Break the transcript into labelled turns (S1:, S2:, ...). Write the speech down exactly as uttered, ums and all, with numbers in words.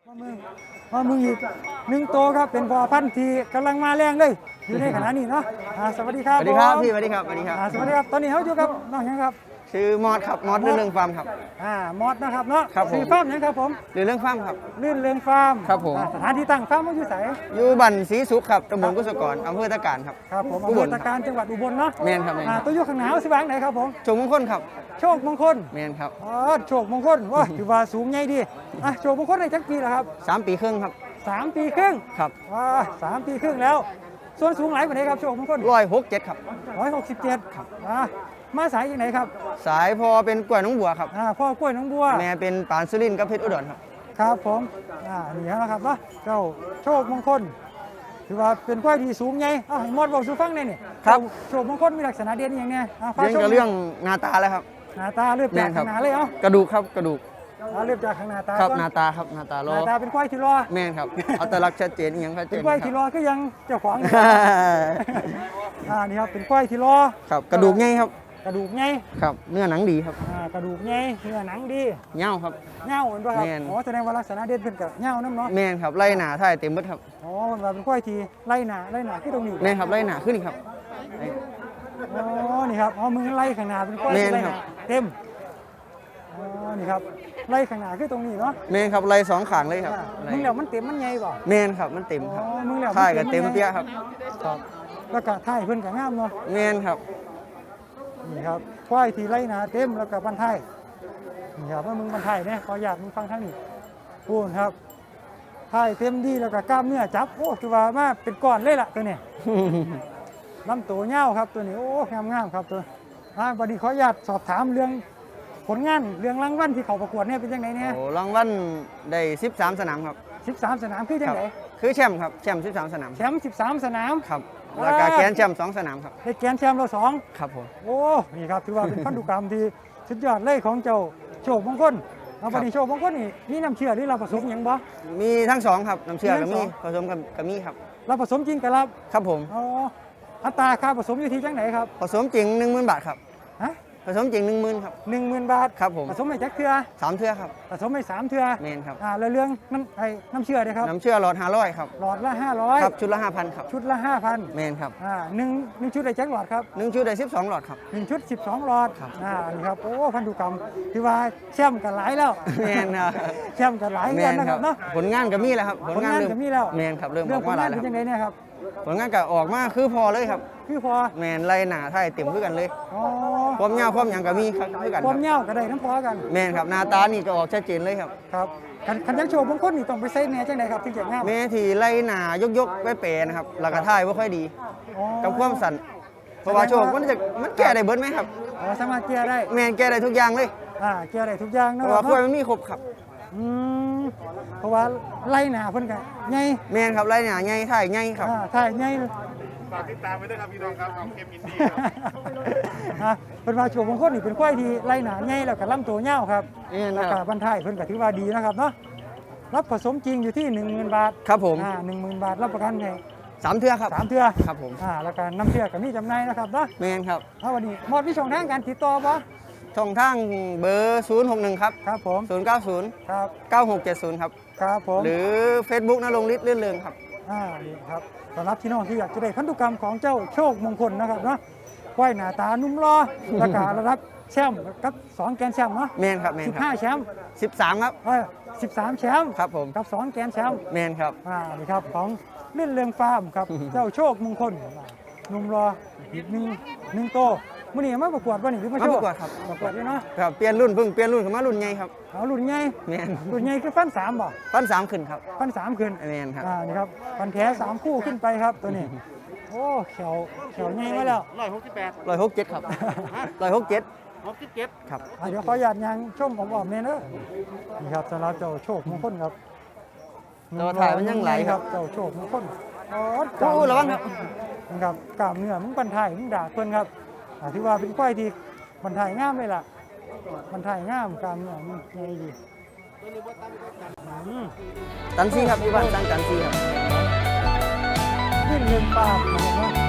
S1: มามึงมามึงอีกหนึ่งโตครับเป็นพอพันธุ์ที่กำลังมาแรงเลยอยู่ในขณะนี้เนาะอ่าสวัสดีครับ
S2: สวัสดีครับ
S1: ผม
S2: พี่สวัสดีครับสวัสดีครับ
S1: อ่าสวัสดีครับตอนนี้เขาอยู่กับน้องหยังครับ
S2: ชื่อมอสครับมอสเรื่องเรื่องฟาร์มครับ
S1: อ่ามอสนะครับเนาะ
S2: ครับผม
S1: สีฟาร์มหยังครับผม
S2: เรื่องเรื่องฟาร์มครับ
S1: ลื่นเรืองฟาร์ม
S2: ครับผม
S1: อ่าสถานที่ตั้งฟาร์มมันอยู่ไส
S2: อยู่บันศรีสุขครับตำบลกุศกรอำเภอตะการครับ
S1: ครับผม
S2: อุ
S1: อำ
S2: บ
S1: เภ
S2: ล
S1: อตะการจังหวัดอุบลเนาะ
S2: แม่นครับแม่น
S1: อ่า
S2: ครับ
S1: ตัวอยู่ข้างหนาวสิบางไหนครับผม
S2: โชคมงคลครับ
S1: โชคมงคล
S2: แม่นครับ
S1: อ๋อโชคมงคลว่าถือว่าสูงใหญ่ดีอ่ะโชคมงคลในจักปีแล้วครับ
S2: สามปีครึ่งครับ
S1: สามปีครึ่ง
S2: ครับ
S1: อ่าสามปีครึ่งแล้ว ส่วนสูงหลายกว่านี้ครับโชคมงคล
S2: ร้อยหกเจ็ดครับ
S1: ร้อยหกสิบเจ็ดครับอ่ามาสายจากไหนครับ
S2: สายพอเป็นกล้วยน้องบัวครับ
S1: อ่าพ่อกล้วยน้องบัว
S2: แม่เป็นปานสุรินทร์กับเพชรอุดรครับ
S1: ครับผมอ่านี่แล้วนะครับเนาะเจ้าโชคมงคลถือว่าเป็นควายที่สูงใหญ่อ้าวให้หมดบอกสู่ฟังหน่อยนี่
S2: ครับ
S1: โชคมงคลมีลักษณะเด่นอย่างเนี้ยอ่าฟ้า
S2: เรื่อง
S1: ชม
S2: กับเรื่องหน้าตาแล้วครับ
S1: หน้าตาเริ่ม
S2: แม่
S1: จาก
S2: นครั
S1: ข้า
S2: บ
S1: งหน้าเลยเอ้าก
S2: ระดูกครับกระดูก
S1: อ่าเริ่มจากข้างหน้าตา
S2: ครับ
S1: ก่อน
S2: หน้าตาครับหน้าตา
S1: ห
S2: รอ
S1: น้าตาเป็นควายที่รอ
S2: แม่นครับอัตลักษณ์ชัดเจนอหย่างชัดเจ
S1: เป็น
S2: น
S1: ควาย
S2: ค
S1: ที่ร
S2: รับ
S1: อก็ยังเจ้าของอยู่ อ่านี่ครับเป็นควายที่รอ
S2: ครับกระดูกใหญ่ครับ
S1: กระดูกใหญ่
S2: ครับเนื้อหนังดีครับ
S1: อ่ากระดูกใหญ่เนื้อหนังดี
S2: เง่าครับ
S1: เง่าเหมือนป่ะครับ
S2: แม่น
S1: อ๋อแสดงว่าลักษณะเด่นเป็นกับเง่าน้ำเนาะ
S2: แม่นครับไล่หนาถ่ายเต็มเบิดครับ
S1: อ๋อมันว่าเป็นควายที่ไล่หนาไล่หนาที่ตรงนี้
S2: แม่นครับไล่หนาขึ้นอีกครับ
S1: อ๋อนี่ครับอ๋อมึงไล่ข้างหน้าเป็นควายที่
S2: แม่
S1: ไล่
S2: น
S1: ห
S2: ครั
S1: นา
S2: บ
S1: เต็มอ๋อนี่ครับไล่ข้างหน้าคือตรงนี้เนาะ
S2: แม่นครับไล่สองขางเลยครับ
S1: อ่า
S2: ไล่
S1: มึงแล้วมันเต็มมันใหญ่ป่ะ
S2: แม่นครับมันเต็มครับ
S1: อ๋อมึงแล้ว
S2: ถ่ายกับ
S1: น
S2: เต็มเปี้ยครับ
S1: ครับแล้วก็ท้ายเพิ่นก็งามเนาะ
S2: แม่นครับ
S1: นี่ครับควายที่ไล่หนาเต็มแล้วก็บันท้ายนี่ครับว่ามึงบันท้ายเนี่ยขออยากมึงฟังทั้งนี้พูดครับท้ายเต็มดีแล้วก็กล้ามเนื้อจับโอ้คือว่ามาเป็นก้อนเลยล่ะตัวนี้ ลำตัวเงาวครับตัวนี้โอ้งามงามๆครับตัวอ่าวันนี้ขออนุญาตสอบถามเรื่องผลงานเรื่องรางวัลที่เขาประกวดเนี่ยเป็นยังไงเนี่ย
S2: โอ้รางวัลได้สิบสามสนามครับ
S1: สิบสามสนามคือจั
S2: ค
S1: ง
S2: รั
S1: ไหน
S2: คือแชมป์ครับแชมป์สิบสามสนาม
S1: แชมป์สิบสามสนาม
S2: ครับแล้วก็
S1: อ่า
S2: แกรนด์แชมป์สองสนามครับ
S1: ได้แกนแชมป์เราสอง
S2: ครับผม
S1: โอ้นี่ครับถือว่าเป็นพันธุกรรมที่สุดยอดเลยของเจ้าโชคมงคลเอาวันนี้โชคมงคลนี่มีน้ำเชื่อหรือเราผสมหยังบ่
S2: มีทั้งสองครับน้ำเชื่อ
S1: มีทั้
S2: กับ
S1: งส
S2: มี
S1: อง
S2: ผสมกับกับมีครับ
S1: เราผสมจริงกับรับ
S2: ครับผม
S1: อ๋ออัตราค่าผสมอยู่ที่จังไหนครับ
S2: ผสมจริงหนึ่งหมื่นบาทครับ
S1: ฮะ
S2: ผสมจริงหนึ่งหมื่นครับ
S1: หนึ่งหมื่นบาท
S2: ครับผม
S1: ผสมไม่จักเทือ
S2: สามเทื่อครับ
S1: ผสมไม่สามเทือ
S2: แมนครับ
S1: อ่าแล้วเรื่องน้ำไอ้น้ำเชื่อเลยครับ
S2: น้ำเชื่อหลอดห้าร้อยครับ
S1: หลอดละห้าร้อย
S2: ครับชุดละห้าพันครับ
S1: ชุดละห้าพัน
S2: แมนครับ
S1: อ่าหนึ่งหนึ่งชุดได้จักหลอดครับ
S2: หนึ่งชุดได้สิบสองหลอดครับ
S1: หนึ่งชุดสิบสองหลอด
S2: ครับ
S1: อ่านี่ครับโอ้พันธุกรรมที่ว่าแชมป์กันหลายแล้ว
S2: แมนครับ
S1: แชมป์กันหลาย
S2: แม
S1: เงิน
S2: น
S1: นะ
S2: ค
S1: ค
S2: รั
S1: รั
S2: บบ
S1: เนาะ
S2: ผลงานก็มีแล้วครับ
S1: ผลงาน
S2: เริ่
S1: ก็มีแล้ว
S2: แมนครับเริ่ม
S1: เรื่
S2: อ
S1: อง
S2: อก
S1: ผลาน
S2: มางแล้ว
S1: เป็น
S2: ค
S1: ยั
S2: รับ
S1: งไงเนี่ยครับ
S2: ผลงานก็ออกมาคือพอเลยครับ
S1: คือพอ
S2: แมนไล่หนาไทยเต็มคือกันเลย
S1: อ๋อ
S2: ความยาวความหยังก็มีครับคือกัน
S1: ค
S2: ครั
S1: วาม
S2: บ
S1: เงาก็ได้น้ำพอกัน
S2: แมนครับหน้าตานี่ก็ออกชัดเจนเลยครับ
S1: ครับคันคันยังโชว์บางคนนี่ต้องไปใส่แหน่จังไดครับถึงจะงาม
S2: แม่ที่ไล่หนายกยกๆไปเปรนะครับหลักกระท่ายว่าค่อยดี
S1: อ๋อ
S2: กับความสั่นเพราะว่าโชคมันจะมันแก้ได้เบิดไหมครับ
S1: อ๋อสามารถเกียร์ได้
S2: แมนแก้ได้ทุกอย่างเลย
S1: อ่าเกียร์ได้ทุกอย่าง
S2: เพ
S1: เนาะ
S2: ราะว่า
S1: ค
S2: ค่อย
S1: รับ
S2: มันมีครบครับ
S1: อืมเพราะว่าไล่หนาเพิ่นก็ใหญ่
S2: แมนครับไล่หนาใหญ่ถ่ายใหญ่ครับ
S1: อ่าถ่ายใหญ่
S3: ฝากติดตามไว้ด้วยครับพี่น้องครับเอาเกมอินดี้ครับ
S1: อ่ะเป็นว่าโชว์บางคนนี่เป็นควายที่ไล่หนาใหญ่แล้วก็ลำตัวเงาวครับ
S2: แม่น
S1: แล้ว
S2: ค
S1: ก็
S2: รับ
S1: บรรทายเพิ่นก็ถือว่าดีนะครับเนาะรับผสมจริงอยู่ที่หนึ่งหมื่นบาท
S2: ครับผม
S1: อ่าหนึ่งหมื่นบาทรับประกันให้
S2: สามเทื่อครับ
S1: สามเทื่อ
S2: ครับผม
S1: อ่าแล้วก็น้ำเชื่อก็มีจำหน่ายนะครับเนาะ
S2: แมนครับ
S1: เอาวันนี้หมดวิช่องทางการติดต่อบ่
S2: ช่องทางเบอร์ศูนย์หกหนึ่งครับ
S1: ครับผม
S2: ศูนย์เก้าศูนย์
S1: ครับ
S2: เก้าหกเจ็ดศูนย์ครับ
S1: ครับผม
S2: หรือ Facebook นรงฤทธิ์ลื่นเรืองครับ
S1: อ่านี่ครับสำหรับพี่น้องที่อยากจะได้พันธุกรรมของเจ้าโชคมงคลนะครับเนาะควายหน้าตานุ่มรอแล้วก็ระดับแชมป์กับสองแกนแชมป์เนาะ
S2: แมนครับแมน
S1: สิบ
S2: ครั
S1: ห้า
S2: บ
S1: แชมป์
S2: สิบสามครับ
S1: เออสิบสามแชมป์
S2: ครับผม
S1: กับสองแกนแชมป์
S2: แมนครับ
S1: อ่านี่ครับของเลื่อนเรืองฟาร์มครับ เจ้าโชคมงคลหนุ่มรออีกหนึ่งหนึ่งโตมื่อนี้มาประกวดวันนี้หรือมา
S2: มา
S1: โช
S2: ป
S1: ว์
S2: ระกวดครับ
S1: ประกวดด้วยเนาะ
S2: ครับเปลี่ยนรุ่นเพิ่งเปลี่ยนรุ่นขึ้นมารุ่นใหญ่ครับ
S1: เอารุ่นใหญ่
S2: แมน
S1: รุ่นใหญ่คือฟันสามบ่
S2: ปั้นสามขึ้นครับ
S1: ฟันสามขึ้น
S2: แมนครับ
S1: อ่านี่ครับฟันแท้สามคู่ขึ้นไปครับตัวนี้ โอ้เขียวเขียวใหญ่มาแล้ว
S3: ร้อยหกสิบแปด
S2: ร้อยหกเจ็ดครับร้อยหกเจ็ด
S3: หกสิบเจ็ด
S2: ครับ
S1: อ่ะเดี๋ยวขอหยาดยางชมผมบอกเนี่ยเนอะนี่ครับสำหรับเจ้าโชคมงคลครับ
S2: แต่ว่าถ่ายมันยังไหลครับ
S1: เจ้าโชคมงคลอ๋อ
S2: โอ้ระวังครับ
S1: นะครับกล้ามเนื้อมึงบรรทายมึงด่าเพิ่นครับอ่าที่ว่าเป็นควายที่บรรทายงามเลยล่ะบรรทายงามกล้ามเนื้อมันใหญ่ดีอืม
S2: จันซีครับพี่บ้านสร้างจันซีครับ
S1: ขึ้นเงินปากนะครับเนาะ